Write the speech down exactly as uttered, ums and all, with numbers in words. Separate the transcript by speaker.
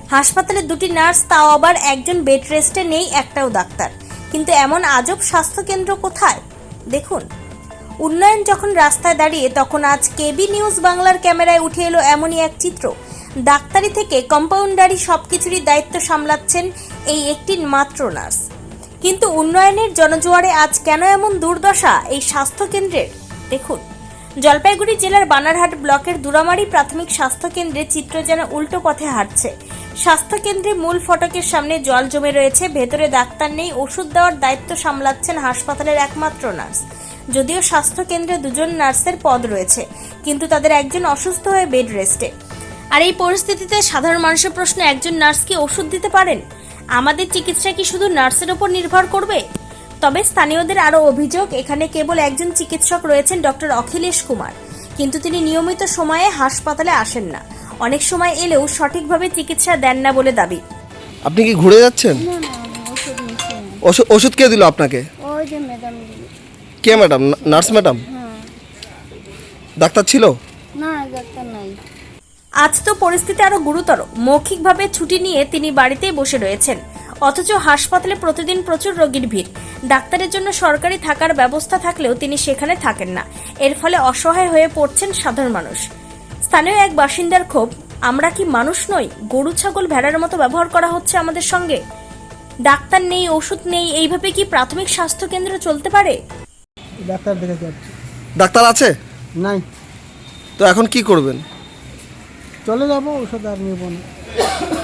Speaker 1: হাসপাতালে দুটি নার্স, তাও আবার একজন বেড রেস্টে নেই, একটাও ডাক্তার। কিন্তু এমন আজব স্বাস্থ্যকেন্দ্র কোথায়? দেখুন, উন্নয়ন যখন রাস্তায় দাঁড়িয়ে, তখন আজ কেবি নিউজ বাংলার ক্যামেরায় উঠে এলো এমনই এক চিত্র। ডাক্তারি থেকে কম্পাউন্ডারি সবকিছুরই দায়িত্ব সামলাচ্ছেন এই একটি মাত্র নার্স। কিন্তু উন্নয়নের জনজোয়ারে আজ কেন এমন দুর্দশা এই স্বাস্থ্যকেন্দ্রের? দেখুন, জলপাইগুড়ি জেলার বানারহাট ব্লকের দুরামারি প্রাথমিক স্বাস্থ্যকেন্দ্রে চিত্র যেন উল্টো পথে হাঁটছে। স্বাস্থ্যকেন্দ্রে মূল ফটকের সামনে জল জমে রয়েছে, ভেতরে ডাক্তার নেই, ওষুধ দেওয়ার দায়িত্ব সামলাচ্ছেন হাসপাতালের একমাত্র নার্স। যদিও স্বাস্থ্যকেন্দ্রে দুজন নার্সের পদ রয়েছে, কিন্তু তাদের একজন অসুস্থ হয়ে বেড রেস্টে। আর এই পরিস্থিতিতে সাধারণ মানুষের প্রশ্ন, একজন নার্স কি ওষুধ দিতে পারেন? আমাদের চিকিৎসা কি শুধু নার্সের উপর নির্ভর করবে? তবে স্থানীয়দের আরও অভিযোগ, এখানে কেবল একজন চিকিৎসক রয়েছেন, ডক্টর অখিলেশ কুমার, কিন্তু তিনি নিয়মিত সময়ে হাসপাতালে আসেন না। অনেক সময় এলেও সঠিকভাবে চিকিৎসা দেন না বলে দাবি।
Speaker 2: আপনি কি ঘুরে যাচ্ছেন?
Speaker 3: না না ওষুধ নিচ্ছি না।
Speaker 2: ওষুধ ওষুধ কে দিল আপনাকে?
Speaker 3: ওই যে ম্যাডাম দিল।
Speaker 2: কে ম্যাডাম? Nurse madam?
Speaker 3: হ্যাঁ।
Speaker 2: ডাক্তার ছিল?
Speaker 3: না ডাক্তার নাই।
Speaker 1: আজ তো পরিস্থিতি আরো গুরুতর। মৌখিকভাবে ছুটি নিয়ে তিনি বাড়িতেই বসে রয়েছেন, অথচ হাসপাতালে প্রতিদিন প্রচুর রোগীর ভিড়। ডাক্তারের জন্য সরকারি থাকার ব্যবস্থা থাকলেও তিনি সেখানে থাকেন না। এর ফলে অসহায় হয়ে পড়ছেন সাধারণ মানুষ। স্থানীয় এক বাসিন্দার ক্ষোভ, আমরা কি মানুষ নই? গরু ছাগল ভেড়ার মতো ব্যবহার করা হচ্ছে আমাদের সঙ্গে। ডাক্তার নেই, ওষুধ নেই, এইভাবে কি প্রাথমিক স্বাস্থ্য কেন্দ্র চলতে পারে?
Speaker 4: ডাক্তার দেখে যাচ্ছি।
Speaker 2: ডাক্তার আছে?
Speaker 4: নাই,
Speaker 2: তো এখন কি করবেন?
Speaker 4: চলে যাবো, ওষুধ আর নেবো না।